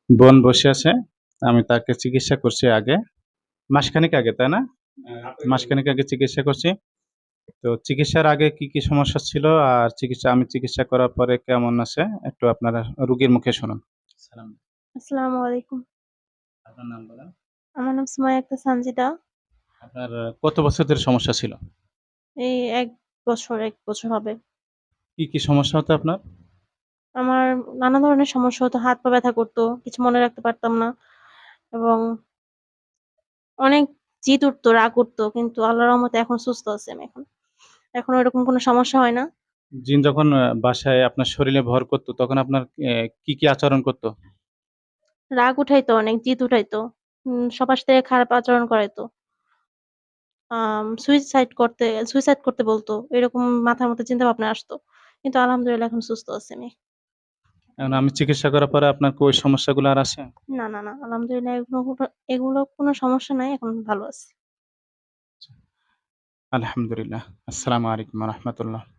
বোন বসে আছে। আমি তাকে চিকিৎসা করছি আগে। মাসখানেক আগে, তাই না? মাসখানেক আগে চিকিৎসা করছি। তো চিকিৎসার আগে কি, কি সমস্যা ছিল আর আমি চিকিৎসা করার পরে কেমন আছে একটু আপনারা রোগীর মুখে শুনুন। সালাম। আসসালামু আলাইকুম। আপনার নাম বলেন। আমার নাম সুমাইয়া আক্তার সানজিদা। আপনার কত বছর ধরে সমস্যা ছিল? এই ১ বছর হবে। কি, কি সমস্যা হতো আপনার? আমার নানা ধরনের সমস্যা হতো। হাত পা ব্যথা করত। কিছু মনে রাখতে পারতাম না এবং অনেক জিদ উঠতো, রাগ উঠতো। কিন্তু আল্লাহর রহমতে এখন সুস্থ আছি আমি এখন। এখন ওইরকম কোনো সমস্যা হয় না। জিন যখন বাসায় আপনার শরীরে ভর করত তখন আপনার কি, কি আচরণ করত? রাগ উঠাইতো অনেক, জিদ উঠাইতো। সবার সাথে খারাপ আচরণ করাইতো। সুইসাইড করতে বলতো। এরকম মাথার মধ্যে চিন্তাভাবনা আসতো। কিন্তু আলহামদুলিল্লাহ এখন সুস্থ আছি আমি। এখন আমি চিকিৎসা করার পরে আপনার কি ওই সমস্যাগুলো আর আছে? না। আলহামদুলিল্লাহ এগুলো কোনো সমস্যা নাই। এখন ভালো আছি। আলহামদুলিল্লাহ। আসসালামু আলাইকুম ওয়া রাহমাতুল্লাহ।